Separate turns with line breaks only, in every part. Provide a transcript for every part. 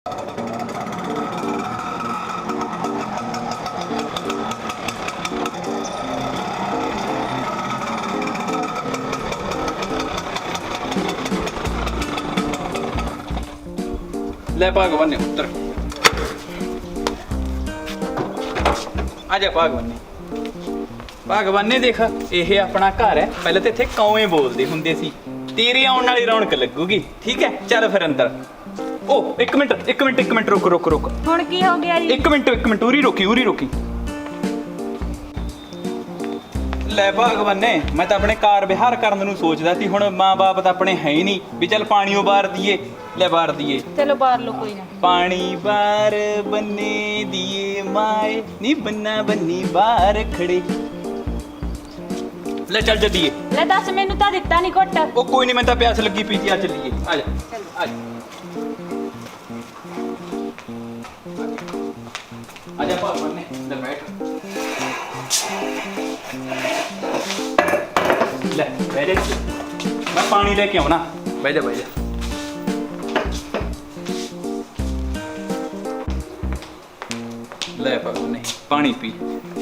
ले भगवान ने उत्तर आजा भगवान ने देख ये अपना घर है। पहले तो इतने कौए बोलते होंगे सी, तेरी आने वाली रौनक लगूगी। ठीक है चल फिर अंदर। ओ एक मिनट रुक रुक रुक।
हुण की हो गया जी?
एक मिनट उरी रोकी। ਲੈ ਭਗਵਾਨ ਨੇ ਮੈਂ ਤਾਂ ਆਪਣੇ ਕਾਰ ਵਿਹਾਰ ਕਰਨ ਨੂੰ ਸੋਚਦਾ ਸੀ, ਹੁਣ ਮਾਂ-ਬਾਪ ਤਾਂ ਆਪਣੇ ਹੈ ਹੀ ਨਹੀਂ ਵੀ ਚੱਲ ਪਾਣੀਓ ਬਾਰ ਦੀਏ। ਲੈ ਬਾਰ ਦੀਏ,
ਚਲੋ ਬਾਹਰ ਲੋ ਕੋਈ ਨਾ।
ਪਾਣੀ ਬਾਰ ਬੰਨੇ ਦੀਏ ਮਾਏ ਨੀ ਬੰਨਾ ਬੰਨੀ ਬਾਹਰ ਖੜੇ। ਲੈ ਚੱਲ ਜੱਦੀਏ।
ਲੈ ਦੱਸ ਮੈਨੂੰ ਤਾਂ ਦਿੱਤਾ ਨਹੀਂ ਘੁੱਟ।
ਉਹ ਕੋਈ ਨਹੀਂ, ਮੈਂ ਤਾਂ ਪਿਆਸ ਲੱਗੀ ਪਈ ਸੀ। ਆ ਚੱਲੀਏ, ਆ ਜਾ ਆ ਜਾ ਭਗਵਾਨ ਨੇ ਲੈ ਬੈਠ। ਲੈ ਬਹਿ ਜਾ, ਮੈਂ ਪਾਣੀ ਲੈ ਕੇ ਆਉਣਾ। ਬਹਿ ਜਾ ਲੈ ਭਗਵਾਨ ਨੇ ਪਾਣੀ ਪੀ।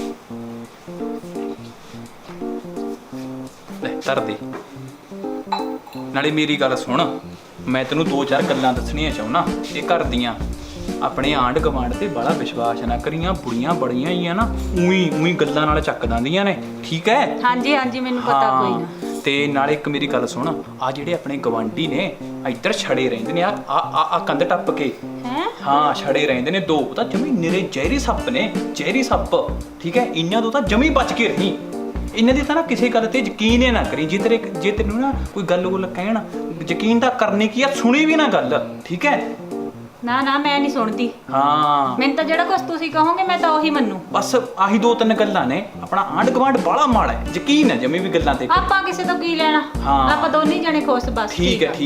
ਲੈ ਧਰ ਦੇ। ਨਾਲੇ ਮੇਰੀ ਗੱਲ ਸੁਣ, ਮੈਂ ਤੈਨੂੰ 2-4 ਗੱਲਾਂ ਦੱਸਣੀਆਂ ਚਾਹੁੰਦਾ ਇਹ ਘਰ ਦੀਆਂ। ਆਪਣੇ ਆਂਢ ਗਵਾਂਢ ਤੇ ਬੜਾ ਵਿਸ਼ਵਾਸ ਨਾ ਕਰੀਆਂ, ਬੁੜੀਆਂ ਬੜੀਆਂ ਹੀ ਆ ਨਾ ਉਹੀ ਗੱਲਾਂ ਨਾਲ ਚੱਕ ਦਿੰਦੀਆਂ ਨੇ। ਠੀਕ ਹੈ?
ਹਾਂਜੀ ਮੈਨੂੰ ਪਤਾ ਕੋਈ ਨਾ।
ਤੇ ਨਾਲੇ ਇੱਕ ਮੇਰੀ ਗੱਲ ਸੁਣ, ਆ ਜਿਹੜੇ ਆਪਣੇ ਗਵਾਂਢੀ ਨੇ ਇੱਧਰ ਛੜੇ ਰਹਿੰਦੇ ਨੇ ਆ ਕੰਧ ਟੱਪ ਕੇ। ਹਾਂ ਛੜੇ ਰਹਿੰਦੇ ਨੇ 2, ਤਾਂ ਜਮੀ ਨਿਰੇ ਜ਼ਹਿਰੀ ਸੱਪ ਨੇ, ਜ਼ਹਿਰੀ ਸੱਪ। ਠੀਕ ਹੈ? ਇਹਨਾਂ ਤੋਂ ਤਾਂ ਜਮੀ ਬਚ ਕੇ ਰਹੀ। ਇਹਨਾਂ ਦੀ ਤਾਂ ਨਾ ਕਿਸੇ ਗੱਲ ਤੇ ਯਕੀਨ ਹੀ ਨਾ ਕਰੀ। ਜੇ ਤੈਨੂੰ ਨਾ ਕੋਈ ਗੱਲ ਕਹਿਣ, ਯਕੀਨ ਤਾਂ ਕਰਨੀ ਕੀ ਆ, ਸੁਣੀ ਵੀ ਨਾ ਗੱਲ। ਠੀਕ ਹੈ?
ਨਾ ਮੈਂ ਨਹੀਂ ਸੁਣਦੀ।
ਹਾਂ
ਮੈਨੂੰ ਤਾਂ ਜਿਹੜਾ ਕੁਝ ਤੁਸੀਂ ਕਹੋਗੇ ਮੈਂ ਤਾਂ ਉਹੀ ਮੰਨੂ।
ਬਸ ਆਹੀ 2-3 ਗੱਲਾਂ ਨੇ। ਆਪਣਾ ਆਂਢ ਗਵਾਂਢ ਬਾਲਾ ਮਾੜਾ ਹੈ, ਯਕੀਨ ਹੈ ਜਮੀ ਵੀ ਗੱਲਾਂ ਤੇ।
ਆਪਾਂ ਕਿਸੇ ਤੋਂ ਕੀ ਲੈਣਾ?
ਹਾਂ
ਆਪਾਂ ਦੋਨੇ ਜਣੇ ਖੁਸ਼ ਬਸ।
ਠੀਕ ਹੈ।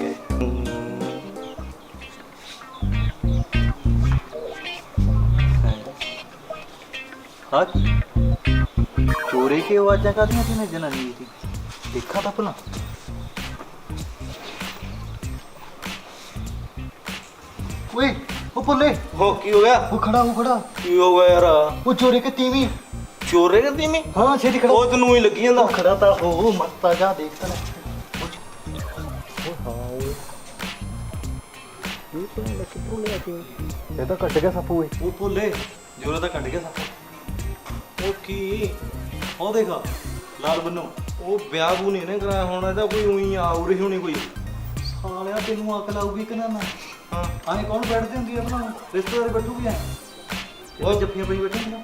हाँ चोरे की आवाज़ा कादियां थी जनानी थी, देखा था भला। ओए वो बोले
हो की हो गया?
वो खड़ा
की हो गया यार?
वो चोरे के तीवी।
चोरे का तीमी?
हाँ छेदी खड़ा।
वो तनु ही लगी ਜਾਂਦਾ।
वो खड़ा था वो मत जा देखता ना। ये तो कट गया सप्पू।
वो बोले जोरा ਤਾਂ ਕੱਢ ਗਿਆ ਸੱਪ। ਉਹ ਕੀ ਉਹ ਦੇਖਾ ਲਾਲ ਬੰਨੋ, ਉਹ ਵਿਆਹ ਬੂ ਨਹੀਂ ਨੇ ਕਰਾਇਆ ਹੋਣਾ, ਇਹਦਾ ਕੋਈ ਉਹੀ ਆਉ ਰਹੀ ਹੋਣੀ ਕੋਈ।
ਸਾਲਿਆ ਤੈਨੂੰ ਅਕਲ ਆਊਗੀ ਕਿ ਨਾ?
ਹਾਂ
ਆਏ ਕੌਣ ਬੈਠਦੇ ਹੁੰਦੀ ਆ ਭਲਾ? ਰਿਸ਼ਤੇਦਾਰ ਬੈਠੂਗੀ ਆ? ਉਹ ਜੱਫੀਆਂ ਪਈ ਬੈਠੇ ਨੇ।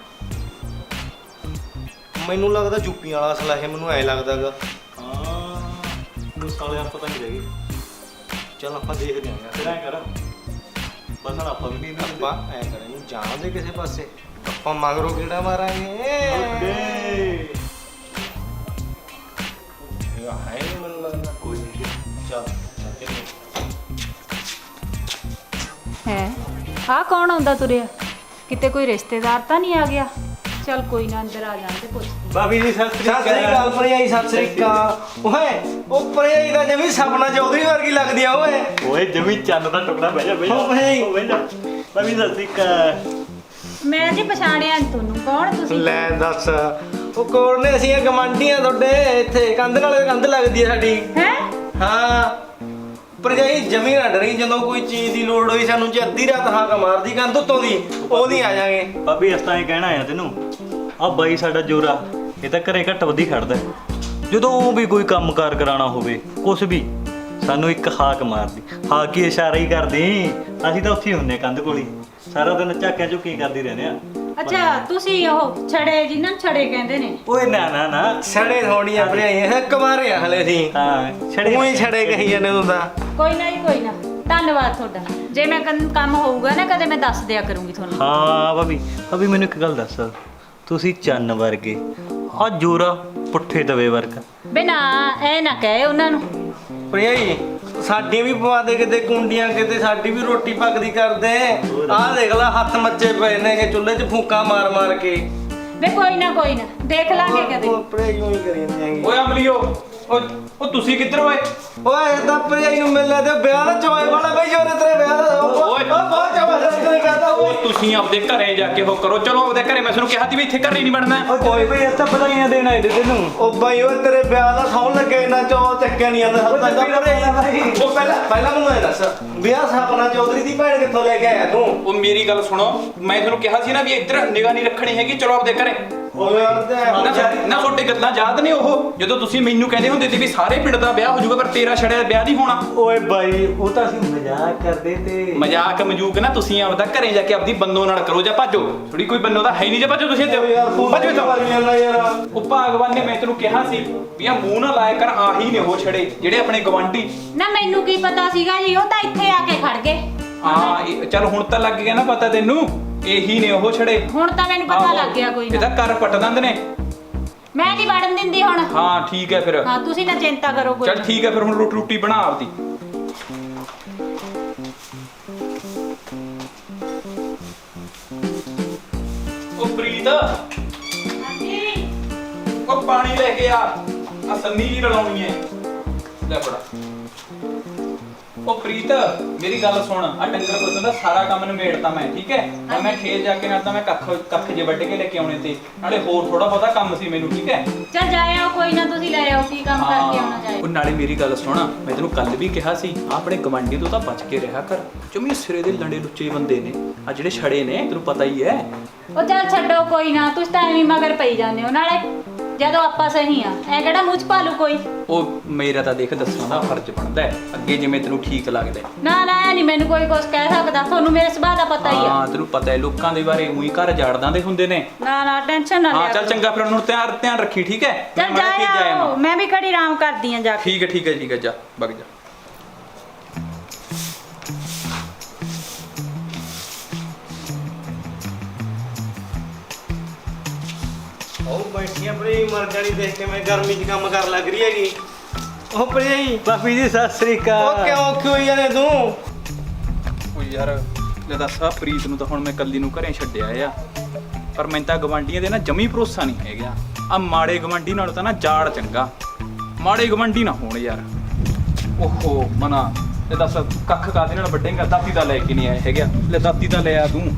ਮੈਨੂੰ ਲੱਗਦਾ ਜੁੱਪੀਆਂ ਵਾਲਾ ਅਸਲਾ ਇਹ, ਮੈਨੂੰ ਐ ਲੱਗਦਾਗਾ।
ਹਾਂ ਉਹ ਸਾਲਿਆ ਪਤਾ ਨਹੀਂ ਰਹੀ।
ਚੱਲ ਆਪਾਂ ਦੇਖਦੇ ਆਂ ਯਾਰ।
ਫਿਰ ਐ ਕਰ, ਬਸ ਹੁਣ ਆਪਾਂ ਵੀ ਨਹੀਂ
ਆਪਾਂ ਐ ਕਰਾਂਗੇ, ਜਾਣਦੇ ਕਿਸੇ ਪਾਸੇ ਆਪਾਂ ਮਗਰੋਂ ਕਿਹੜਾ ਮਾਰਾਂਗੇ। ਯਾ ਹੈ ਨਹੀਂ ਮੈਨੂੰ ਲੱਗਦਾ ਕੋਈ ਨਹੀਂ। ਚੱਲ
ਹੈ ਆਹ ਕੌਣ ਆਉਂਦਾ ਤੁਰਿਆ? ਕਿਤੇ ਕੋਈ ਰਿਸ਼ਤੇਦਾਰ ਤਾਂ ਨਹੀਂ ਆ ਗਿਆ? ਚੱਲ ਕੋਈ ਨਾ ਅੰਦਰ ਆ ਜਾਂਦੇ ਪੁੱਛ।
ਭਾਬੀ ਜੀ ਸਤਿ
ਸਤਿ ਸ੍ਰੀ ਅਕਾਲ ਭਰਜਾਈ, ਸਤਿ ਸ੍ਰੀ ਅਕਾਲ। ਓਏ ਉਹ ਭਰਜਾਈ ਦਾ ਜਿਵੇਂ ਸਪਨਾ ਚੌਧਰੀ ਵਰਗੀ ਲੱਗਦੀ ਆ। ਓਏ
ਜਮੀ ਚੰਨ ਦਾ ਟੁਕੜਾ ਬਹਿ ਜਾ
ਬਹਿ ਜਾ।
ਭਾਬੀ ਸਤਿ ਸ੍ਰੀ ਅਕਾਲ।
ਮੈਂ ਜੀ ਪਛਾਣਿਆ ਨੀ ਤੁਹਾਨੂੰ, ਕੌਣ ਤੁਸੀਂ?
ਲੈ ਦੱਸ, ਉਹ ਕੋਲ ਨੇ ਅਸੀਂ ਗਵਾਂਢੀਆਂ ਤੁਹਾਡੇ। ਇੱਥੇ ਕੰਧ ਨਾਲ ਕੰਧ ਲੱਗਦੀ ਆ ਸਾਡੀ।
ਹੈ
ਹਾਂ ਭਰਜਾਈ ਜਮੀ ਨਾ ਡਰੀ, ਜਦੋਂ ਕੋਈ ਚੀਜ਼ ਦੀ ਲੋੜ ਹੋਈ ਸਾਨੂੰ ਜੇ ਅੱਧੀ ਰਾਤ ਹਾਕ ਮਾਰਦੀ ਕੰਧ ਉੱਤੋਂ ਦੀ, ਉਹਦੀ ਆ ਜਾਾਂਗੇ।
ਭਾਬੀ ਇਸ ਤਾਂ ਇਹ ਕਹਿਣਾ ਆ ਤੈਨੂੰ, ਆ ਬਾਈ ਸਾਡਾ ਜੋਰਾ ਇਹ ਤਾਂ ਘਰੇ ਘੱਟ ਵਧੀ ਖੜਦਾ। ਜਦੋਂ ਵੀ ਕੋਈ ਕੰਮ ਕਾਰ ਕਰਾਉਣਾ ਹੋਵੇ ਕੁਛ ਵੀ, ਸਾਨੂੰ ਇੱਕ ਹਾਕ ਮਾਰਦੀ। ਹਾਕ ਹੀ ਇਸ਼ਾਰਾ ਹੀ ਕਰਦੀ। ਅਸੀਂ ਤਾਂ ਉੱਥੇ ਹੀ ਹੁੰਨੇ ਕੰਧ ਕੋਲ ਹੀ, ਸਾਰਾ ਦਿਨ ਝਾਕਿਆਂ ਝੁੱਕੀ ਕਰਦੀ ਰਹਿੰਦੇ ਆ।
ਅੱਛਾ ਤੁਸੀਂ ਉਹ ਛੜੇ ਜਿਨ੍ਹਾਂ ਨੂੰ ਛੜੇ ਕਹਿੰਦੇ ਨੇ?
ਓਏ ਨਾ
ਛੜੇ ਥੋੜੀਆਂ ਭਰਜਾਈ ਹੈ, ਕੁਮਾਰੇ ਆ ਹਲੇ ਅਸੀਂ।
ਹਾਂ ਛੜੇ
ਉਹੀ ਛੜੇ ਕਹੀ ਜਾਂਦੇ ਤੂੰ ਤਾਂ।
ਕੋਈ ਨਾ ਜੀ ਕੋਈ ਨਾ, ਧੰਨਵਾਦ ਤੁਹਾਡਾ। ਜੇ ਮੈਂ ਕੰਮ ਹੋਊਗਾ ਨਾ ਕਦੇ ਮੈਂ ਦੱਸ ਦਿਆ ਕਰੂੰਗੀ ਤੁਹਾਨੂੰ।
ਹਾਂ ਭਾਬੀ ਮੈਨੂੰ ਇੱਕ ਗੱਲ ਦੱਸ, ਤੁਸੀਂ ਚੰਨ ਵਰਗੇ, ਆ ਜੋਰਾ ਪੁੱਠੇ ਦਵੇ ਵਰਗਾ।
ਬੇ ਨਾ ਐ ਨਾ ਕਹੇ ਉਹਨਾਂ ਨੂੰ।
ਭਰਜਾਈ ਸਾਡੀ ਵੀ ਪਵਾ ਦੇ ਕਿਤੇ ਕੁੰਡੀਆਂ, ਕਿਤੇ ਸਾਡੀ ਵੀ ਰੋਟੀ ਪੱਕਦੀ ਕਰਦੇ। ਆਹ ਦੇਖ ਲੈ ਹੱਥ ਮੱਚੇ ਪਏ ਨੇ ਕਿ ਚੁੱਲ੍ਹੇ 'ਚ ਫੂਕਾਂ ਮਾਰ ਕੇ।
ਵੇ ਕੋਈ ਨਾ ਦੇਖ ਲਾਂਗੇ ਕਦੇ।
ਭਰਜਾਈ ਉਹੀ ਕਰੀ ਜਾਂਦੀ ਹੈਗੀ।
ਓਏ ਅਮਲੀਓ, ਉਹ ਤੁਸੀਂ ਕਿੱਧਰ ਓਏ?
ਓਏ ਇਹਦਾ ਭਰਜਾਈ ਨੂੰ ਮਿਲਣਾ ਤੇ ਵਿਆਹ ਦਾ ਚੋਏ ਵਾਲਾ ਬਈ ਜੋਰੇ ਤੇਰੇ ਵਿਆਹ ਦਾ।
ਓਏ ਤੁਸੀਂ ਆਪਦੇ ਘਰੇ ਜਾ ਕੇ ਉਹ ਕਰੋ। ਚਲੋ ਆਪਦੇ ਘਰੇ, ਮੈਂ ਤੁਹਾਨੂੰ ਕਿਹਾ ਸੀ ਵੀ ਇੱਥੇ ਘਰੇ ਨਹੀਂ ਵੜਨਾ।
ਕੋਈ ਬਈ ਇਸ ਤਾਂ ਵਧਾਈਆਂ ਦੇਣ ਆਏ ਤੇ ਤੈਨੂੰ।
ਉਹ ਬਾਈ ਉਹ ਤੇਰੇ ਵਿਆਹ ਦਾ ਸੌਣ ਲੱਗੇ ਇੰਨਾ ਚੋ ਚੱਕਿਆ ਨਹੀਂ ਜਾਂਦਾ ਹੱਥਾਂ ਦਾ ਭਰੇ। ਉਹ ਪਹਿਲਾਂ ਮੈਨੂੰ ਇਹ ਦੱਸ, ਵਿਆਹ ਸਪਨਾ ਚੌਧਰੀ ਦੀ ਭੈਣ ਕਿੱਥੋਂ ਲੈ ਕੇ ਆਇਆ ਤੂੰ?
ਉਹ ਮੇਰੀ ਗੱਲ ਸੁਣੋ, ਮੈਂ ਤੁਹਾਨੂੰ ਕਿਹਾ ਸੀ ਨਾ ਵੀ ਇੱਧਰ ਨਿਗਾਹ ਨਹੀਂ ਰੱਖਣੀ ਹੈਗੀ, ਚਲੋ ਆਪਦੇ ਘਰੇ।
ਉਹ ਯਾਰ
ਨਾ ਤੁਹਾਡੇ ਗੱਲਾਂ ਯਾਦ ਨੇ ਉਹ ਜਦੋਂ ਤੁਸੀਂ ਮੈਨੂੰ ਕਹਿੰਦੇ ਹੁੰਦੇ ਸੀ ਵੀ ਸਾਰੇ ਪਿੰਡ ਦਾ ਵਿਆਹ ਹੋ ਜਾਊਗਾ ਪਰ ਤੇਰਾ ਛੜਿਆ ਵਿਆਹ ਨਹੀਂ ਹੋਣਾ।
ਓਏ ਬਾਈ ਉਹ ਤਾਂ ਅਸੀਂ ਮਜ਼ਾਕ ਕਰਦੇ ਤੇ।
ਮਜ਼ਾਕ ਮਜੂਕ ਨਾ ਤੁਸੀਂ ਆਪਦਾ ਘਰੇ ਜਾ ਕੇ ਆਪਦੀ ਬੰਦੋ ਨਾਲ ਕਰੋ ਜਾਂ ਭੱਜੋ। ਥੋੜੀ ਕੋਈ ਬੰਦੋ ਤਾਂ ਹੈ ਨਹੀਂ ਜੇ ਭੱਜੋ ਤੁਸੀਂ ਇੱਥੇ।
ਯਾਰ ਤੂੰ
ਭੱਜੋ ਇੱਥੋਂ।
ਮਾਰੀ ਜਾਂਦਾ ਯਾਰ।
ਉਹ ਭਗਵਾਨ ਨੇ ਮੈਂ ਤੈਨੂੰ ਕਿਹਾ ਸੀ ਵੀ ਆ ਮੂੰਹ ਨਾ ਲਾਇਆ ਕਰ, ਆਹੀ ਨੇ ਉਹ ਛੜੇ ਜਿਹੜੇ ਆਪਣੇ ਗਵਾਂਢੀ।
ਨਾ ਮੈਨੂੰ ਕੀ ਪਤਾ ਸੀਗਾ ਜੀ, ਉਹ ਤਾਂ ਇੱਥੇ ਆ ਕੇ ਖੜ ਗਏ।
ਹਾਂ ਚੱਲ ਹੁਣ ਤਾਂ ਲੱਗ ਗਿਆ ਨਾ ਪਤਾ ਤੈਨੂੰ, ਇਹੀ ਨੇ ਉਹ ਛੜੇ।
ਹੁਣ ਤਾਂ ਮੈਨੂੰ ਪਤਾ ਲੱਗ ਗਿਆ ਕੋਈ
ਇਹਦਾ
ਨਾ।
ਘਰ ਪੱਟ ਦਿੰਦੇ ਨੇ।
ਮੈਂ ਨਹੀਂ ਵੜਨ ਦਿੰਦੀ ਹੁਣ।
ਹਾਂ ਠੀਕ ਹੈ ਫਿਰ।
ਹਾਂ ਤੁਸੀਂ ਨਾ ਚਿੰਤਾ ਕਰੋ ਕੋਈ।
ਚੱਲ ਠੀਕ ਹੈ ਫਿਰ, ਹੁਣ ਰੋਟੀ ਬਣਾ ਆਪਦੀ। ਉਹ ਪ੍ਰੀਤ,
ਹਾਂਜੀ।
ਉਹ ਪਾਣੀ ਲੈ ਕੇ ਆ ਸੰਨੀ ਜੀ ਰਲਾਉਣੀ ਹੈ, ਲੈ ਫੜਾ। ਉਹ ਪ੍ਰੀਤ ਮੇਰੀ ਗੱਲ ਸੁਣ, ਆ ਡੰਗਰ ਪੁੱਤ ਦਾ ਸਾਰਾ ਕੰਮ ਨਿਬੇੜਤਾ ਮੈਂ, ਠੀਕ ਹੈ? ਹੁਣ ਮੈਂ ਖੇਤ ਜਾ ਕੇ ਨਾਲ ਤਾਂ ਮੈਂ ਕੱਖ ਜੇ ਵੱਢ ਕੇ ਲੈ ਕੇ ਆਉਣੇ ਤੇ ਨਾਲੇ ਹੋਰ ਥੋੜਾ ਬਹੁਤਾ ਕੰਮ ਸੀ ਮੈਨੂੰ, ਠੀਕ ਹੈ?
ਚੱਲ ਜਾਇਓ ਕੋਈ ਨਾ, ਤੁਸੀਂ ਲੈ ਆਓ ਕੀ ਕੰਮ ਕਰਕੇ ਆਉਣਾ ਜਾਏ।
ਉਹ ਨਾਲੇ ਮੇਰੀ ਗੱਲ ਸੁਣ, ਮੈਂ ਤੈਨੂੰ ਕੱਲ ਵੀ ਕਿਹਾ ਸੀ ਆਪਣੇ ਗਵਾਂਢੀ ਤੋਂ ਤਾਂ ਬਚ ਕੇ ਰਿਹਾ ਕਰ। ਜਮੀ ਸਿਰੇ ਦੇ ਲੰਡੇ ਲੁੱਚੇ ਬੰਦੇ ਨੇ ਆ ਜਿਹੜੇ ਛੜੇ ਨੇ, ਤੈਨੂੰ ਪਤਾ ਹੀ ਹੈ।
ਉਹ ਚੱਲ ਛੱਡੋ ਕੋਈ ਨਾ, ਤੁਸੀਂ ਤਾਂ ਐਵੇਂ ਮਗਰ ਪਈ ਜਾਂਦੇ ਹੋ। ਨਾਲੇ ਜਦੋਂ ਆਪਾਂ ਸਹੀ ਆ ਐ ਕਿਹੜਾ ਮੂੰਹ ਚ ਭਾਲੂ ਕੋਈ।
ਉਹ ਮੇਰਾ ਤਾਂ ਦੇਖ ਦੱਸਣ ਦਾ ਫਰਜ਼ ਬਣਦਾ ਹੈ, ਅੱਗੇ ਜਿਵੇਂ ਤੈਨੂੰ ਠੀਕ ਲੱਗਦਾ ਹੈ।
ਨਾ ਨਾ ਐ ਨਹੀਂ ਮੈਨੂੰ ਕੋਈ ਕੁਝ ਕਹਿ ਸਕਦਾ, ਤੁਹਾਨੂੰ ਮੇਰੇ ਸੁਭਾਅ ਦਾ ਪਤਾ ਹੀ ਆ।
ਹਾਂ ਤੈਨੂੰ ਪਤਾ ਹੈ ਲੋਕਾਂ ਦੇ ਬਾਰੇ ਉਹੀ ਘਰ ਜਾੜਦਾਂ ਦੇ ਹੁੰਦੇ ਨੇ।
ਨਾ ਨਾ ਟੈਨਸ਼ਨ ਨਾ
ਹਾਂ
ਲਿਆ
ਚੱਲ
ਕਰੋ।
ਚੰਗਾ, ਫਿਰ ਉਹਨੂੰ ਧਿਆਨ ਰੱਖੀ, ਠੀਕ ਹੈ?
ਚੱਲ
ਮੈਂ ਮਾੜਾ ਜਿਹਾ
ਜਾਇਓ, ਮੈਂ ਵੀ ਘੜੀ ਆਰਾਮ ਕਰਦੀ ਆ ਜਾ ਕੇ।
ਠੀਕ ਹੈ ਠੀਕ ਹੈ, ਜਾ ਵਗ ਜਾ।
ਉਹ ਬੈਠੀਆਂ ਭਰੇ ਮਰ ਜਾਣੀ ਦੇਖ ਕੇ, ਮੈਂ ਗਰਮੀ 'ਚ ਕੰਮ ਕਰ ਲੱਗ ਰਹੀ ਹੈਗੀ। ਉਹ ਭਰੇ
ਭਾਬੀ ਜੀ ਸਤਿ ਸ੍ਰੀ
ਉਹ
ਅਕਾਲ।
ਕਿਉਂ ਹੋਈ ਜਾਨੇ ਤੂੰ?
ਉਹ ਯਾਰ ਲੈ ਦੱਸ, ਆ ਪ੍ਰੀਤ ਨੂੰ ਤਾਂ ਹੁਣ ਮੈਂ ਕੱਲੀ ਨੂੰ ਘਰੇ ਛੱਡਿਆ ਆ, ਪਰ ਮੈਂ ਤਾਂ ਗਵਾਂਢੀਆਂ ਦੇ ਨਾ ਜਮੀ ਭਰੋਸਾ ਨਹੀਂ ਹੈਗਾ। ਆ ਮਾੜੇ ਗਵਾਂਢੀ ਨਾਲੋਂ ਤਾਂ ਨਾ ਜਾੜ ਚੰਗਾ, ਮਾੜੇ ਗਵਾਂਢੀ ਨਾ ਹੋਣ ਯਾਰ। ਓਹੋ ਮਨਾ, ਲੈ ਦੱਸ ਕੱਖ ਕਾਦੇ ਨਾਲ ਵੱਢੇਂਗਾ? ਦਾਤੀ ਦਾ ਲੈ ਕੇ ਨਹੀਂ ਆਇਆ ਹੈਗਾ, ਲੈ ਦਾਤੀ ਦਾ ਲੈ ਆ ਤੂੰ।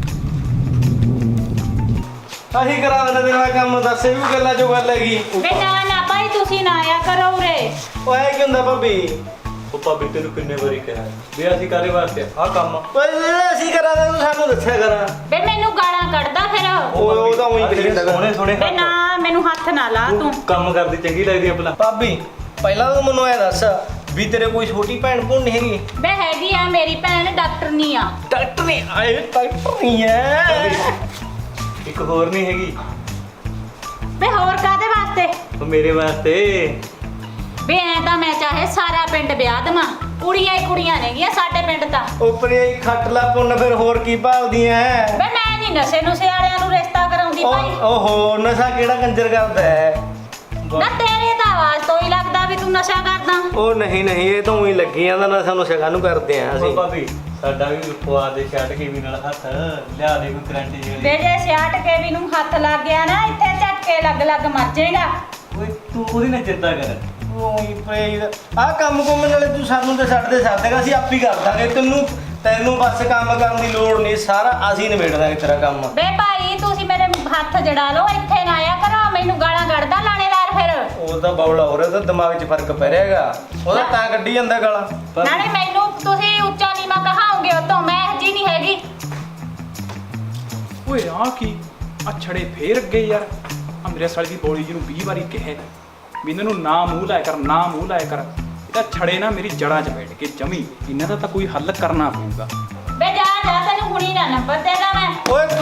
ਆਹੀ ਕਰਾ ਦੇਣਾ ਤੇਰਾ ਕੰਮ, ਦੱਸ ਇਹ ਵੀ ਗੱਲਾਂ ਚੋਂ ਗੱਲ ਹੈਗੀ।
ਵੇ ਨਾ ਨਾ ਭਾਈ ਤੁਸੀਂ ਨਾ ਆਇਆ ਕਰੋ ਉਰੇ।
ਉਹ ਐ ਕੀ ਹੁੰਦਾ ਭਾਬੀ?
ਉਹ ਭਾਬੀ ਤੈਨੂੰ ਕਿੰਨੇ ਵਾਰੀ ਕਿਹਾ ਵੀ ਅਸੀਂ ਕਾਹਦੇ ਵਾਸਤੇ ਆ ਕੰਮ।
ਓਏ ਜਿਹੜਾ ਅਸੀਂ ਕਰਾ ਦੇ ਤੂੰ ਸਾਨੂੰ ਦੱਸਿਆ ਕਰਾਂ।
ਵੇ ਮੈਨੂੰ ਗਾਲਾਂ ਕੱਢਦਾ ਫਿਰ।
ਉਹ ਤਾਂ ਉਹੀ ਕਰੀ ਜਾਂਦਾ
ਸੋਹਣੇ ਸੋਹਣੇ
ਵੇ ਨਾ ਮੈਨੂੰ ਹੱਥ ਨਾ ਲਾ ਤੂੰ।
ਕੰਮ ਕਰਦੀ ਚੰਗੀ ਲੱਗਦੀ ਆ ਪਹਿਲਾਂ।
ਭਾਬੀ ਪਹਿਲਾਂ ਤੂੰ ਮੈਨੂੰ ਐ ਦੱਸ ਵੀ ਤੇਰੇ ਕੋਈ ਛੋਟੀ ਭੈਣ ਭੂਣ ਨਹੀਂ ਹੈਗੀ?
ਵੇ ਹੈਗੀ ਆ ਮੇਰੀ ਭੈਣ, ਡਾਕਟਰ ਨਹੀਂ ਆ।
ਡਾਕਟਰ ਨਹੀਂ ਆਏ, ਡਾਕਟਰ ਨਹੀਂ ਐ।
ਇੱਕ ਹੋਰ ਨਹੀਂ ਹੈਗੀ?
ਵੇ ਹੋਰ ਕਾਦੇ ਵਾਸਤੇ?
ਉਹ ਮੇਰੇ ਵਾਸਤੇ।
ਵੇ ਐ ਤਾਂ ਮੈਂ ਚਾਹੇ ਸਾਰਾ ਪਿੰਡ ਵਿਆਹ ਦੇਵਾਂ, ਕੁੜੀਆਂ ਹੀ ਕੁੜੀਆਂ ਨੇਗੀਆਂ ਸਾਡੇ ਪਿੰਡ ਤਾਂ।
ਉਪਰੇ ਖੱਟ ਲਾ ਪੁੰਨ, ਫਿਰ ਹੋਰ ਕੀ ਭਾਲਦੀਆਂ ਐ?
ਵੇ ਮੈਂ ਨਹੀਂ ਨਸ਼ੇ ਨੁਸ਼ੇ ਵਾਲਿਆਂ ਨੂੰ ਰਿਸ਼ਤਾ ਕਰਾਉਂਦੀ ਭਾਈ।
ਓਹੋ ਨਸ਼ਾ ਕਿਹੜਾ ਕੰਜਰ ਕਰਦਾ ਹੈ?
ਨਾ ਤੇਰੇ ਤਾਂ ਆਵਾਜ਼ ਤੋਂ ਹੀ ਲੱਗਦਾ ਵੀ ਤੂੰ ਨਸ਼ਾ ਕਰਦਾ।
ਉਹ ਨਹੀਂ ਇਹ ਤਾਂ ਉਹੀ ਲੱਗੀ ਜਾਂਦਾ ਨਾ, ਸਾਨੂੰ ਸ਼ਗਾ ਨੂੰ ਕਰਦੇ ਆ
ਉਹ
ਅਸੀਂ।
ਭਾਬੀ ਸਾਡਾ ਵੀ ਪਵਾ ਦੇ ਛੱਡ ਕੇ ਵੀ ਨਾਲ ਹੱਥ ਲਿਆ ਦੇ ਕੋਈ ਕਰੰਟ
ਵੇ
ਜਿਹੜੀ।
ਜੇ ਸਿਆਟ ਕੇ ਵੀ ਨੂੰ ਹੱਥ ਲੱਗ ਗਿਆ ਨਾ, ਇੱਥੇ ਝਟਕੇ ਲੱਗ ਮਰ ਜਾਏਗਾ।
ਓਏ ਤੂੰ ਉਹਦੀ ਨਾ ਚਿੰਤਾ ਕਰ।
ਉਹੀ ਪਈ ਆ ਕੰਮ ਕੁੰਮ ਨਾਲੇ ਤੂੰ ਸਾਨੂੰ ਤੇ ਛੱਡ ਦੇ ਸਕਦੇਗਾ, ਅਸੀਂ ਆਪ ਹੀ ਕਰ ਦਾਂਗੇ। ਤੈਨੂੰ ਬਸ ਕੰਮ ਕਰਨ ਦੀ ਲੋੜ ਨਹੀਂ, ਸਾਰਾ ਅਸੀਂ ਨਿਬੇੜ ਦਾਂਗੇ ਤੇਰਾ ਕੰਮ।
ਵੇ ਭਾਈ ਤੁਸੀਂ ਮੇਰੇ ਹੱਥ ਜੜਾ ਲਓ, ਇੱਥੇ ਨਾ ਆਇਆ ਕਰੋ, ਮੈਨੂੰ ਗਾਲਾਂ ਕੱਢਦਾ ਲਾਣੇਦਾਰ ਫਿਰ।
ਉਹ ਤਾਂ ਬੌਲਾ ਹੋ ਰਿਹਾ, ਤਾਂ ਦਿਮਾਗ 'ਚ ਫਰਕ ਪੈ ਰਿਹਾ ਹੈਗਾ, ਉਹਦਾ ਤਾਂ ਕੱਢੀ ਜਾਂਦਾ ਗਾਲਾਂ।
ਨਾਲੇ ਮੈਨੂੰ ਤੁਸੀਂ ਉੱਚਾ ਨੀਵਾਂ ਕਹਾਓਗੇ, ਉਹ ਤੋਂ ਮੈਂ ਜੀ ਨਹੀਂ ਹੈਗੀ।
ਓਏ ਆ ਕੀ ਆ ਛੜੇ ਫੇਰ ਅੱਗੇ ਯਾਰ। ਆ ਮੇਰੇ ਸਾਲੇ ਦੀ ਬੋਲੀ ਜੀ ਨੂੰ 20 ਵਾਰੀ ਕਿਹਾ ਵੀ ਇਹਨਾਂ ਨੂੰ ਨਾ ਮੂੰਹ ਲਾਇਆ ਕਰ, ਨਾ ਮੂੰਹ ਲਾਇਆ ਕਰ। ਇਹ ਤਾਂ ਛੜੇ ਨਾ ਮੇਰੀ ਜੜ੍ਹਾਂ 'ਚ ਬੈਠ ਕੇ ਜਮੀ, ਇਹਨਾਂ ਦਾ ਤਾਂ ਕੋਈ ਹੱਲ ਕਰਨਾ ਪਊਗਾ।
ਵੇ ਜਾ ਤੈਨੂੰ ਹੁਣੀ ਨਾ ਨੰਬਰ ਦੇਦਾ ਮੈਂ।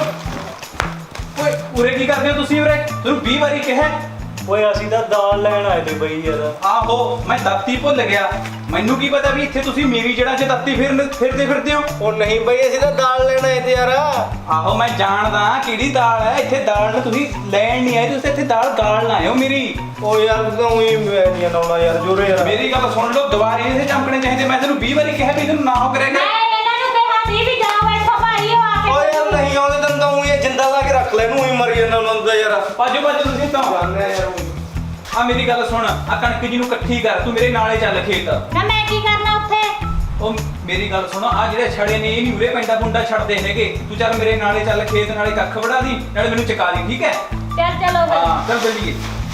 ਓਏ ਉਰੇ ਕੀ ਕਰਦੇ ਹੋ ਤੁਸੀਂ ਉਰੇ? ਤੁਹਾਨੂੰ 20 ਵਾਰੀ ਕਿਹਾ।
ਓਏ ਅਸੀਂ ਤਾਂ ਦਾਲ ਲੈਣ ਆਏ ਤੇ ਬਈ ਯਾਰ।
ਆਹੋ ਮੈਂ ਦਾਤੀ ਭੁੱਲ ਗਿਆ, ਮੈਨੂੰ ਕੀ ਪਤਾ ਵੀ ਇੱਥੇ ਤੁਸੀਂ ਮੇਰੀ ਜੜ੍ਹਾਂ 'ਚ ਦਾਤੀ ਫਿਰਦੇ ਹੋ।
ਉਹ ਨਹੀਂ ਬਈ ਅਸੀਂ ਤਾਂ ਦਾਲ ਲੈਣ ਆਏ ਤੇ ਯਾਰ।
ਆਹੋ ਮੈਂ ਜਾਣਦਾ ਕਿਹੜੀ ਦਾਲ ਹੈ, ਇੱਥੇ ਦਾਲ ਨੂੰ ਤੁਸੀਂ ਲੈਣ ਨਹੀਂ ਆਏ, ਤੁਸੀਂ ਇੱਥੇ ਦਾਲ ਗਾਲਣ ਆਏ ਹੋ ਮੇਰੀ।
ਉਹ ਯਾਰ ਤੂੰ ਉਹੀ ਨਹੀਂ ਲਾਉਣਾ ਯਾਰ ਜੋਰੇ ਯਾਰ।
ਮੇਰੀ ਗੱਲ ਸੁਣ ਲਓ, ਦੁਬਾਰੇ ਇਹਦੇ ਚਮਕਣੇ ਚਾਹੀਦੇ। ਮੈਂ ਤੈਨੂੰ 20 ਵਾਰੀ ਕਿਹਾ ਵੀ ਇਹਨੂੰ ਨਾ ਹੋ ਕਰੇਗਾ।
ਮੈਂ ਇਹਨਾਂ ਨੂੰ ਕਿਹਾ ਸੀ ਵੀ ਜਾਓ ਇੱਥੋਂ ਭਾਈ, ਉਹ ਆ
ਓ
ਕੇ।
ਯਾਰ ਨਹੀਂ ਆਉਂਦੇ ਤੈਨੂੰ ਤਾਂ ਉਹੀ ਜਿੰਦਾ ਲਾ ਕੇ ਰੱਖ ਲੈ, ਇਹਨੂੰ ਹੀ ਮਰ ਜਾਂਦਾ ਉਹਨਾਂ ਦਾ ਯਾਰ।
ਭਾਜੋ ਤੁਸੀਂ ਤਾਂ
ਜਾਣਦੇ ਆ ਯਾਰ।
ਆ ਮੇਰੀ ਗੱਲ ਸੁਣ, ਆ ਕਣਕ ਜੀ ਨੂੰ ਇਕੱਠੀ ਕਰ, ਤੂੰ ਮੇਰੇ ਨਾਲੇ ਚੱਲ ਖੇਤ।
ਨਾ ਮੈਂ ਕੀ ਕਰਨਾ ਉੱਥੇ?
ਉਹ ਮੇਰੀ ਗੱਲ ਸੁਣੋ, ਆ ਜਿਹੜੇ ਛੜੇ ਨੇ ਇਹ ਨਹੀਂ ਉਰੇ ਪੈਂਦਾ ਪੁੰਡਾ ਛੱਡਦੇ ਹੈਗੇ। ਤੂੰ ਚੱਲ ਮੇਰੇ ਨਾਲੇ ਚੱਲ ਖੇਤ, ਨਾਲੇ ਕੱਖ ਵੜਾ ਦੀ, ਨਾਲੇ ਮੈਨੂੰ ਚਕਾ ਦੀ, ਠੀਕ ਹੈ?
ਚਲੋ ਫਿਰ।
ਹਾਂ ਚੱਲ ਚੱਲੀਏ।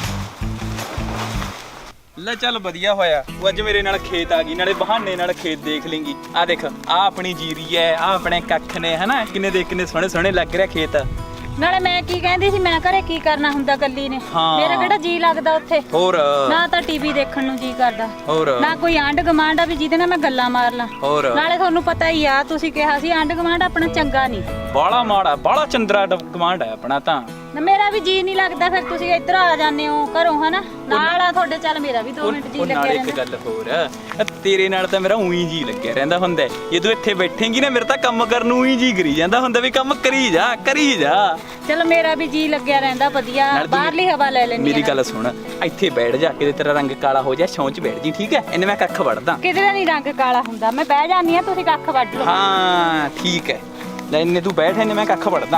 ਲੈ ਚੱਲ ਵਧੀਆ ਹੋਇਆ ਉਹ ਅੱਜ ਮੇਰੇ ਨਾਲ ਖੇਤ ਆ ਗਈ, ਨਾਲੇ ਬਹਾਨੇ ਨਾਲ ਖੇਤ ਦੇਖ ਲੇਂਗੀ। ਆ ਦੇਖ, ਆ ਆਪਣੀ ਜੀਰੀ ਐ, ਆ ਆਪਣੇ ਕੱਖ ਨੇ, ਹਨਾ ਕਿੰਨੇ ਦੇ ਕਿੰਨੇ ਸੋਹਣੇ ਸੋਹਣੇ ਲੱਗ ਰਿਹਾ ਖੇਤ।
ਨਾਲੇ ਮੈਂ ਕੀ ਕਹਿੰਦੀ ਸੀ, ਮੈਂ ਘਰੇ ਕੀ ਕਰਨਾ ਹੁੰਦਾ ਕੱਲੀ ਨੇ?
ਹਾਂ।
ਮੇਰਾ ਕਿਹੜਾ ਜੀ ਲੱਗਦਾ ਉੱਥੇ?
ਹੋਰ
ਨਾ ਤਾਂ ਟੀਵੀ ਦੇਖਣ ਨੂੰ ਜੀ ਕਰਦਾ,
ਹੋਰ
ਨਾ ਕੋਈ ਆਂਢ ਗੁਆਂਢ ਆ ਵੀ ਜਿਹਦੇ ਨਾਲ ਮੈਂ ਗੱਲਾਂ ਮਾਰ ਲਾਂ।
ਹੋਰ
ਨਾਲੇ ਤੁਹਾਨੂੰ ਪਤਾ ਹੀ ਆ, ਤੁਸੀਂ ਕਿਹਾ ਸੀ ਆਂਢ ਗੁਆਂਢ ਆਪਣਾ ਚੰਗਾ ਨਹੀਂ।
ਬਾਲਾ ਮਾੜਾ, ਬਾਲਾ ਚੰਦਰਾ ਗਵਾਂਢ ਹੈ ਆਪਣਾ ਤਾਂ।
ਨਾ ਮੇਰਾ ਵੀ ਜੀ ਨਹੀਂ ਲੱਗਦਾ, ਫਿਰ ਤੁਸੀਂ ਇੱਧਰ ਆ ਜਾਂਦੇ ਹੋ ਘਰੋਂ, ਹਨਾ ਨਾਲ ਆ ਤੁਹਾਡੇ। ਚੱਲ ਮੇਰਾ ਵੀ 2 ਮਿੰਟ ਜੀ
ਉਹ
ਲੱਗਿਆ
ਨਾਲੇ ਇੱਕ
ਰਹਿੰਦਾ।
ਗੱਲ ਹੋਰ, ਤੇਰੇ ਨਾਲ ਤਾਂ ਮੇਰਾ ਉਹੀ ਜੀ ਲੱਗਿਆ ਰਹਿੰਦਾ ਹੁੰਦਾ। ਜੇ ਤੂੰ ਇੱਥੇ ਬੈਠੇਂਗੀ ਨਾ, ਮੇਰੇ ਤਾਂ ਕੰਮ ਕਰਨ ਨੂੰ ਹੀ ਜੀ ਕਰੀ ਜਾਂਦਾ ਹੁੰਦਾ ਵੀ ਕੰਮ ਕਰੀ ਜਾ ਕਰੀ ਜਾ।
ਚਲੋ ਮੇਰਾ ਵੀ ਜੀ ਲੱਗਿਆ ਰਹਿੰਦਾ ਵਧੀਆ,
ਨਾਲ ਤੂੰ
ਬਾਹਰਲੀ ਹਵਾ ਲੈ ਲੈਣੀ।
ਮੇਰੀ ਗੱਲ ਸੁਣ, ਇੱਥੇ ਬੈਠ ਜਾ ਕੇ ਤੇਰਾ ਰੰਗ ਕਾਲਾ ਹੋ ਜਾ, ਛੌਂਚ ਬੈਠ ਜੀ, ਠੀਕ ਹੈ? ਇਹਨੇ ਮੈਂ ਕੱਖ ਵੜਦਾ।
ਕਿਧਰੇ ਨਹੀਂ ਰੰਗ ਕਾਲਾ ਹੁੰਦਾ, ਮੈਂ ਬਹਿ ਜਾਂਦੀ ਆ, ਤੁਸੀਂ ਕੱਖ ਵੱਢ ਲਓ।
ਹਾਂ ਠੀਕ ਹੈ, ਲੈ ਇਹਨੇ ਤੂੰ ਬੈਠ, ਇਹਨੇ ਮੈਂ ਕੱਖ ਵੜਦਾ।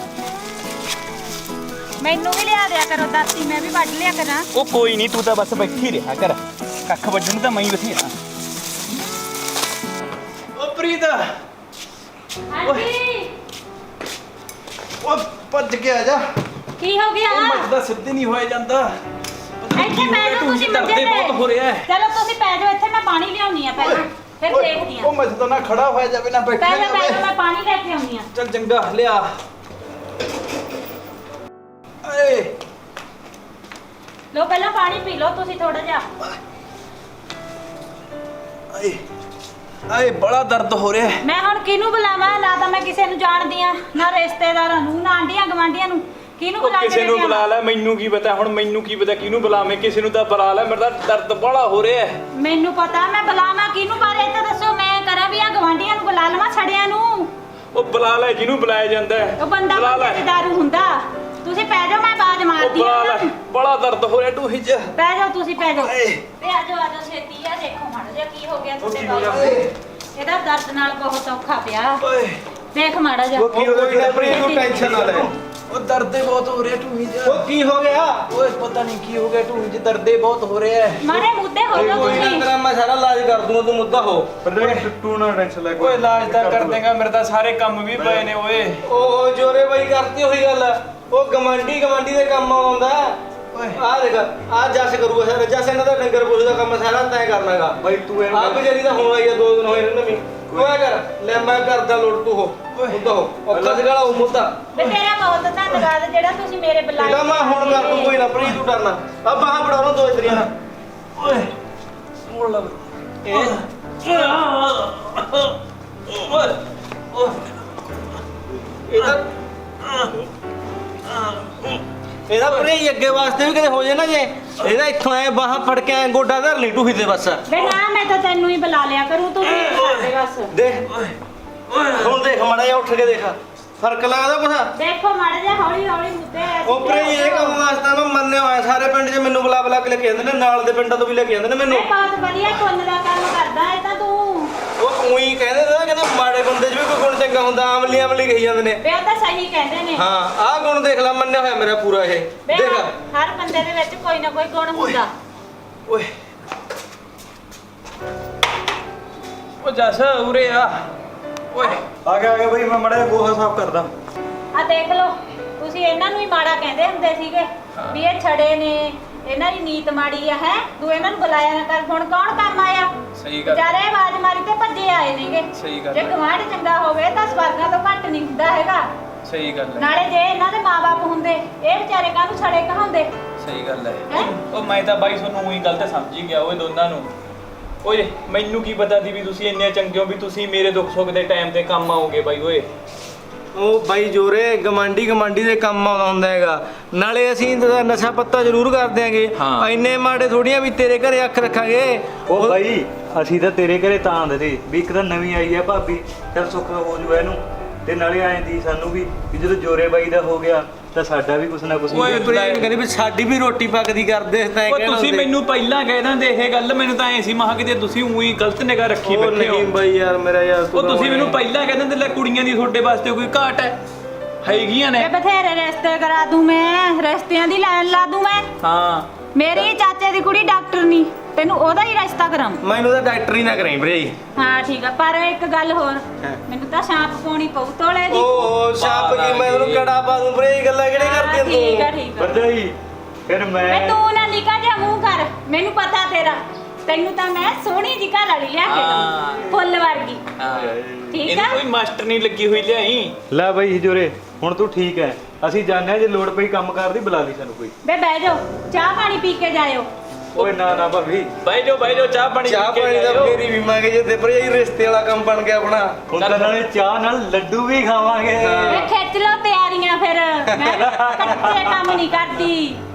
ਮੈਨੂੰ ਵੀ ਲਿਆ ਦਿਆ ਕਰੋ ਦਾਤੀ, ਮੈਂ ਵੀ ਵੱਢ ਲਿਆ ਕਰਾਂ।
ਉਹ ਕੋਈ ਨਹੀਂ, ਤੂੰ ਤਾਂ ਬਸ ਬੈਠੀ ਰਿਹਾ ਕਰ, ਕੱਖ ਵੱਢਣ ਨੂੰ ਤਾਂ ਮੈਂ ਹੀ ਬਥੇਰਾ। ਉਹ ਪ੍ਰੀਤ,
ਹਾਂਜੀ
ਉਹ ਭੱਜ ਕੇ ਆ ਜਾ।
ਕੀ ਹੋ ਗਿਆ?
ਉਹ ਮੱਝਦਾ ਸਿੱਧੇ ਨਹੀਂ ਹੋਇਆ ਜਾਂਦਾ। ਪਤਾ ਨੀ
ਇੱਥੇ
ਕੀ ਹੋ
ਬਹਿ
ਗਿਆ,
ਜਾਓ ਤੁਸੀਂ ਮੰਜੇ
ਦਰਦੇ ਬਹੁਤ ਹੋ ਰਿਹਾ
ਤੇ।
ਹੈ।
ਚਲੋ ਤੁਸੀਂ ਪੈ ਜਾਓ ਇੱਥੇ, ਮੈਂ ਪਾਣੀ ਲਿਆਉਣੀ ਆ ਪਹਿਲਾਂ, ਫਿਰ ਦੇਖਦੀ ਆ।
ਉਹ ਮੈਂ ਤਾਂ ਨਾ ਖੜਾ ਹੋਇਆ ਜਾਵੇ ਨਾ ਬੈਠਾ
ਪਹਿਲਾਂ
ਜਾਵੇ।
ਪਹਿਲਾਂ ਮੈਂ ਪਾਣੀ ਲੈ ਕੇ ਆਉਣੀ ਆ।
ਚੱਲ ਚੰਗਾ ਲਿਆ। ਏ
ਲੋ ਪਹਿਲਾਂ ਪਾਣੀ ਪੀ ਲਓ ਤੁਸੀਂ ਥੋੜਾ ਜਿਹਾ।
ਆਏ ਆਏ ਬੜਾ ਦਰਦ ਹੋ ਰਿਹਾ ਹੈ।
ਮੈਂ ਹੁਣ ਕਿਹਨੂੰ ਬੁਲਾਵਾਂ? ਨਾ ਤਾਂ ਮੈਂ ਕਿਸੇ ਨੂੰ ਜਾਣਦੀ ਆ, ਨਾ ਰਿਸ਼ਤੇਦਾਰਾਂ ਨੂੰ, ਨਾ ਆਂਢੀਆਂ ਗਵਾਂਢੀਆਂ ਨੂੰ। ਕਿਹਨੂੰ
ਉਹ
ਬੁਲਾ ਕੇ
ਕਿਸੇ ਨੂੰ
ਲਿਆਵਾਂ?
ਬੁਲਾ ਲੈ, ਮੈਨੂੰ ਕੀ ਪਤਾ ਹੁਣ, ਮੈਨੂੰ ਕੀ ਪਤਾ ਕਿਹਨੂੰ ਬੁਲਾਵੇਂ, ਕਿਸੇ ਨੂੰ ਤਾਂ ਬੁਲਾ ਲੈ, ਮੇਰਾ ਤਾਂ ਦਰਦ ਬੜਾ ਹੋ ਰਿਹਾ ਹੈ।
ਮੈਨੂੰ ਪਤਾ, ਮੈਂ ਬੁਲਾਵਾਂ ਕਿਹਨੂੰ? ਪਰ ਇਹ ਤਾਂ ਦੱਸੋ ਮੈਂ ਕਰਾਂ ਵੀ ਆ ਗਵਾਂਢੀਆਂ ਨੂੰ ਬੁਲਾ ਲਵਾਂ, ਛੜਿਆਂ ਨੂੰ?
ਉਹ ਬੁਲਾ ਲੈ ਜਿਹਨੂੰ ਬੁਲਾਇਆ ਜਾਂਦਾ ਹੈ।
ਉਹ ਬੰਦਾ
ਬੁਲਾ ਲੈ।
ਬੰਦੇ ਦੀ ਦਾਰੂ ਹੁੰਦਾ। ਤੁਸੀਂ ਪੈ ਜਾਓ, ਮੈਂ ਬਾਜ
ਉਹ
ਮਾਰਦੀ
ਬੁਲਾ
ਆ।
ਲੈ, ਬੜਾ ਦਰਦ ਹੋ ਰਿਹਾ ਢੂਹੀ 'ਚ।
ਪੈ ਜਾਓ ਤੁਸੀਂ, ਪੈ ਜਾਓ।
ਏ।
ਤੇ ਆ ਜਾਓ ਛੇਤੀ ਆ, ਦੇਖੋ ਮਾੜਾ ਜਿਹਾ ਕੀ ਹੋ ਗਿਆ ਤੁਹਾਡੇ
ਕੀ ਹੋ ਗਿਆ?
ਬਾਲ। ਇਹਦਾ ਦਰਦ ਨਾਲ ਬਹੁਤ ਔਖਾ ਪਿਆ।
ਓਏ
ਦੇਖ ਮਾੜਾ ਜਿਹਾ।
ਉਹ ਕੀ ਹੋ ਗਿਆ ਪ੍ਰੀਤ, ਤੂੰ ਟੈਨਸ਼ਨ ਨਾ ਲੈ।
ਉਹ ਦਰਦੇ ਬਹੁਤ ਹੋ ਰਿਹਾ ਢੂਹੀ 'ਚ।
ਉਹ ਕੀ ਹੋ ਗਿਆ?
ਓਏ ਪਤਾ ਨਹੀਂ ਕੀ ਹੋ ਗਿਆ ਢੂਹੀ 'ਚ, ਦਰਦੇ ਬਹੁਤ ਹੋ ਰਿਹਾ ਹੈ।
ਮਾਰੇ ਮੁੱਦੇ ਹੋ ਜਾਓ
ਕੋਈ ਨਾ
ਤੁਸੀਂ।
ਤੇਰਾ ਮੈਂ ਸਾਰਾ ਇਲਾਜ ਕਰ ਦੂੰਗਾ, ਤੂੰ ਮੁੱਦਾ ਹੋ। ਟੁੱਟੂ ਨਾ ਟੈਨਸ਼ਨ ਲੈ।
ਓਏ ਇਲਾਜ ਤਾਂ ਕਰ ਦੇਗਾ, ਮੇਰੇ ਤਾਂ ਸਾਰੇ ਕੰਮ ਵੀ ਪਏ ਨੇ ਓਏ।
ਉਹ ਜੋਰੇ ਬਾਈ ਕਰਤੀ ਉਹੀ ਗੱਲ। ਉਹ ਗਮੰਡੀ ਦੇ ਕੰਮ ਆਉਂਦਾ।
ਓਏ
ਆ ਦੇਖ, ਆ ਜੱਸ ਕਰੂਗਾ ਸਾਰਾ। ਜੱਸ ਇਹਨਾਂ ਦਾ ਡੰਗਰ ਪੁੱਛ ਦਾ ਕੰਮ ਸਾਰਾ ਤੈਂ ਕਰਨਾਗਾ।
ਬਾਈ ਤੂੰ ਇਹਨੂੰ
ਆ ਬਜਰੀ ਦਾ ਹੁਣ ਆਈ ਆ, 2 ਦਿਨ ਹੋਏ ਨੇ ਨਵੀਂ। ਤੂੰ ਆ ਕਰ ਲੈ, ਮੈਂ ਕਰਦਾ ਲੋੜ, ਤੂੰ ਹੋ ਮੁੱਦਾ ਹੋ। ਔਖਾ ਸਿਗਾਲਾ ਉਹ ਮੁੱਦਾ।
ਤੇ ਤੇਰਾ ਬਹੁਤ ਧੰਨਵਾਦ ਜਿਹੜਾ ਤੁਸੀਂ ਮੇਰੇ ਬੁਲਾਏ।
ਇਹਦਾ ਮੈਂ ਹੁਣ ਕਰ ਦੂੰ, ਕੋਈ ਨਾ ਪ੍ਰੀ ਤੂੰ ਡਰਨਾ। ਆ ਬਾਹਾਂ ਫੜਾ ਲਓ 2 ਇਤਰੀਆਂ ਨਾਲ।
ਓਏ ਮੋੜ ਲੱਗ
ਇਹਦਾ ਪ੍ਰੀ ਅੱਗੇ ਵਾਸਤੇ ਵੀ ਕਿਤੇ ਹੋ ਜੇ ਨਾ, ਜੇ ਇਹਦਾ ਇੱਥੋਂ ਐ ਬਾਹਾਂ ਫੜ ਕੇ ਐ ਗੋਡਾ ਧਰ ਲਈ ਟੂਹੀ ਤੇ ਬਸ।
ਵੇ ਨਾ, ਮੈਂ ਤਾਂ ਤੈਨੂੰ ਹੀ ਬੁਲਾ ਲਿਆ ਕਰੂੰ, ਤੂੰ ਵੀ ਕਰਦੇ ਬਸ।
ਦੇਖ ਹੁਣ ਦੇਖ ਮਾੜਾ ਜਿਹਾ ਉੱਠ ਕੇ ਦੇਖ, ਫਰਕ ਲੱਗਦਾ ਕੁਛ?
ਦੇਖੋ ਮਾੜਾ ਜਿਹਾ ਹੌਲੀ ਹੌਲੀ ਮੁੱਦੇ ਆ।
ਉਹ ਪ੍ਰੀ ਇਹ ਕੰਮ ਵਾਸਤੇ ਮੈਂ ਮੰਨਿਆ ਹੋਇਆ, ਸਾਰੇ ਪਿੰਡ 'ਚ ਮੈਨੂੰ ਬੁਲਾ ਕੇ ਲੈ ਕੇ ਜਾਂਦੇ ਨੇ, ਨਾਲ ਦੇ ਪਿੰਡਾਂ ਤੋਂ ਵੀ ਲੈ ਕੇ ਜਾਂਦੇ ਨੇ ਮੈਨੂੰ।
ਮੈਂ ਬਹੁਤ ਵਧੀਆ ਪੁੰਨ ਦਾ ਕੰਮ ਕਰਦਾ ਇਹ ਤਾਂ ਤੂੰ।
ਉਹ ਉਹੀ ਕਹਿੰਦੇ ਨੇ ਨਾ, ਕਹਿੰਦੇ ਮਾੜੇ ਬੰਦੇ 'ਚ ਵੀ ਕੋਈ ਗੁਣ ਚੰਗਾ ਹੁੰਦਾ, ਆਮਲੀ ਕਹੀ ਜਾਂਦੇ ਨੇ।
ਵੇ ਉਹ ਤਾਂ ਸਹੀ ਕਹਿੰਦੇ ਨੇ।
ਹਾਂ ਆਹ ਗੁਣ ਦੇਖ ਲੈ, ਮੰਨਿਆ ਹੋਇਆ ਮੇਰਾ ਪੂਰਾ ਇਹ।
ਵੇ
ਦੇਖ
ਹਰ ਬੰਦੇ ਦੇ ਵਿੱਚ ਕੋਈ ਨਾ ਕੋਈ ਗੁਣ ਹੁੰਦਾ।
ਓਏ ਉਹ ਜੱਸ ਉਰੇ ਆ। ਓਏ
ਆ ਗਿਆ ਬਈ, ਮੈਂ ਮੜਾ ਗੋਹਾ ਸਾਫ਼ ਕਰਦਾ।
ਆ ਦੇਖ ਲਓ, ਤੁਸੀਂ ਇਹਨਾਂ ਨੂੰ ਹੀ ਮਾੜਾ ਕਹਿੰਦੇ ਹੁੰਦੇ ਸੀਗੇ ਵੀ ਇਹ ਛੜੇ ਨੇ, ਇਹਨਾਂ ਦੀ ਨੀਤ ਮਾੜੀ ਆ। ਹੈ ਤੂੰ ਇਹਨਾਂ ਨੂੰ ਬੁਲਾਇਆ ਨਾ ਕਰ, ਹੁਣ ਕੌਣ ਕੰਮ ਆਇਆ?
ਸਹੀ ਗੱਲ।
ਵਿਚਾਰੇ ਆਵਾਜ਼ ਮਾਰੀ ਤੇ ਭੱਜੇ ਆਏ ਨੇਗੇ।
ਸਹੀ ਗੱਲ
ਜੇ
ਹੈ।
ਗਵਾਂਢ ਚੰਗਾ ਹੋਵੇ ਤਾਂ ਸਵਰਗਾਂ ਤੋਂ ਘੱਟ ਨਹੀਂ ਹੁੰਦਾ ਹੈਗਾ।
ਸਹੀ ਗੱਲ ਹੈ।
ਨਾਲੇ ਜੇ ਇਹਨਾਂ ਦੇ ਮਾਪੇ ਹੁੰਦੇ, ਇਹ ਵਿਚਾਰੇ ਕਾਹਨੂੰ ਛੜੇ ਕਹਾਉਂਦੇ?
ਸਹੀ ਗੱਲ ਹੈ।
ਹੈਂ?
ਉਹ ਮੈਂ ਤਾਂ ਬਾਈ ਤੁਹਾਨੂੰ ਉਹੀ ਗਲਤ ਸਮਝੀ ਗਿਆ ਓਏ ਦੋਨਾਂ ਨੂੰ। ਓਏ ਮੈਨੂੰ ਕੀ ਪਤਾ ਸੀ ਵੀ ਤੁਸੀਂ ਇੰਨੇ ਚੰਗੇ ਹੋ ਵੀ ਤੁਸੀਂ ਮੇਰੇ ਦੁੱਖ ਸੁੱਖ ਦੇ ਟਾਈਮ ਤੇ ਕੰਮ ਆਓਗੇ ਬਾਈ ਓਏ।
ਉਹ ਬਾਈ ਜੋਰੇ ਗਮਾਂਡੀ ਦੇ ਕੰਮ ਆਉਂਦਾ ਹੁੰਦਾ ਹੈਗਾ। ਨਾਲੇ ਅਸੀਂ ਤਾਂ ਨਸ਼ਾ ਪੱਤਾ ਜ਼ਰੂਰ ਕਰਦੇ ਆਂਗੇ,
ਹਾਂ।
ਇੰਨੇ ਮਾੜੇ ਥੋੜੀਆਂ ਵੀ ਤੇਰੇ ਘਰੇ ਅੱਖ ਰੱਖਾਂਗੇ।
ਉਹ ਬਾਈ ਅਸੀਂ ਤਾਂ ਤੇਰੇ ਘਰੇ ਤਾਂ ਆਂਦੇ ਤੇ ਵੀ ਇੱਕ ਤਾਂ ਨਵੀਂ ਆਈ ਆ ਭਾਬੀ, ਚੱਲ ਸੁੱਖ ਹੋ ਜੂ ਇਹਨੂੰ। ਤੇ ਨਾਲੇ ਆਏ ਦੀ ਸਾਨੂੰ ਵੀ ਜਦੋਂ ਜੋਰੇ ਬਾਈ ਦਾ ਹੋ ਗਿਆ ਤਾਂ ਸਾਡਾ ਵੀ ਕੁਛ ਨਾ ਕੁਛ
ਓਏ
ਪ੍ਰੇਮ ਕਹਿੰਦੇ ਵੀ ਸਾਡੀ ਵੀ ਰੋਟੀ ਪੱਕਦੀ ਕਰਦੇ ਤਾਂ
ਉਹ ਤੁਸੀਂ ਮੈਨੂੰ ਪਹਿਲਾਂ ਕਹਿ ਦਿੰਦੇ ਇਹ ਗੱਲ, ਮੈਨੂੰ ਤਾਂ ਐ ਸੀ ਮਹਾ ਕਿਤੇ ਤੁਸੀਂ ਉਹੀ ਗਲਤ ਨਿਗਾਹ ਰੱਖੀ
ਉਹ
ਬੈਠੇ ਹੋ।
ਨਹੀਂ ਬਾਈ ਯਾਰ ਮੇਰਾ ਯਾਰ
ਉਹ ਤੁਸੀਂ ਮੈਨੂੰ ਪਹਿਲਾਂ ਕਹਿ ਦਿੰਦੇ ਲੈ ਕੁੜੀਆਂ ਦੀ ਤੁਹਾਡੇ ਵਾਸਤੇ ਕੋਈ ਘਾਟ ਹੈ, ਹੈਗੀਆਂ ਨੇ।
ਇਹ ਬਥੇਰੇ ਰਿਸ਼ਤੇ ਕਰਾ ਦੂੰ ਮੈਂ, ਰਿਸ਼ਤਿਆਂ ਦੀ ਲਾਈਨ ਲਾ ਦੂੰ ਮੈਂ।
ਹਾਂ
ਮੇਰੀ ਚਾਚੇ ਦੀ ਕੁੜੀ ਡਾਕਟਰ ਨਹੀਂ, ਤੈਨੂੰ ਉਹਦਾ ਹੀ ਰਿਸ਼ਤਾ ਕਰਾਉਂ।
ਮੈਨੂੰ ਤਾਂ ਡਾਕਟਰ ਹੀ ਨਾ ਕਰਾਈ ਭਰਜਾਈ।
ਹਾਂ ਠੀਕ ਆ, ਪਰ ਇੱਕ ਗੱਲ ਹੋਰ,
ਹਾਂ।
ਮੈਨੂੰ ਤਾਂ ਛਾਪ ਪਾਉਣੀ ਪਊ ਤੋਲੇ ਦੀ।
ਓਹ ਛਾਪ ਕੀ ਮੈਂ ਉਹਨੂੰ ਕੜਾ ਪਾ ਦੂੰ ਭਰਜਾਈ, ਗੱਲਾਂ ਕਿਹੜੇ ਕਰਦੀ ਆਂ
ਠੀਕ ਆ
ਤੂੰ?
ਠੀਕ ਆ।
ਭਰਜਾਈ ਫਿਰ
ਵੇ
ਮੈਂ
ਤੂੰ ਨਾ ਨਿਕਾ ਜਿਹਾ ਮੂੰਹ ਕਰ, ਮੈਨੂੰ ਪਤਾ ਤੇਰਾ। ਤੈਨੂੰ ਤਾਂ ਮੈਂ ਸੋਹਣੀ ਜੀ ਘਰ ਵਾਲੀ ਲਿਆ ਕੇ ਦਊਂ, ਫੁੱਲ ਵਰਗੀ। ਠੀਕ
ਇਹਨੂੰ
ਆ।
ਕੋਈ ਮਾਸਟਰ ਨਹੀਂ ਲੱਗੀ ਹੋਈ ਲਿਆਈ।
ਲੈ ਬਾਈ ਜੋਰੇ ਹੁਣ ਤੂੰ ਠੀਕ ਹੈ, ਅਸੀਂ ਜਾਣਦੇ ਹਾਂ ਜੇ ਲੋੜ ਪਈ ਕੰਮ ਕਰਦੀ ਬੁਲਾ ਲਈ ਸਾਨੂੰ ਕੋਈ।
ਬੇ ਬਹਿ ਜਾਓ, ਚਾਹ ਪਾਣੀ ਪੀ ਕੇ ਜਾਇਓ।
ਓਏ ਨਾ ਨਾ ਭਾਬੀ,
ਬਾਈ ਜੋ ਚਾਹ ਪਾਣੀ
ਚਾਹ
ਪੀ ਕੇ
ਪਾਣੀ ਦਾ
ਜਾਇਓ।
ਫੇਰ ਹੀ ਪੀਵਾਂਗੇ ਜੇ ਤੇ ਭਰਜਾਈ ਰਿਸ਼ਤੇ ਵਾਲਾ ਕੰਮ ਬਣ ਗਿਆ ਆਪਣਾ।
ਹੁਣ ਤਾਂ ਨਾਲੇ ਚਾਹ ਨਾਲ ਲੱਡੂ ਵੀ ਖਾਵਾਂਗੇ।
ਵੇ ਖਿੱਚ ਲਓ ਤਿਆਰੀਆਂ ਫਿਰ, ਮੈਂ ਕੱਚੇ ਕੰਮ ਨਹੀਂ ਕਰਦੀ।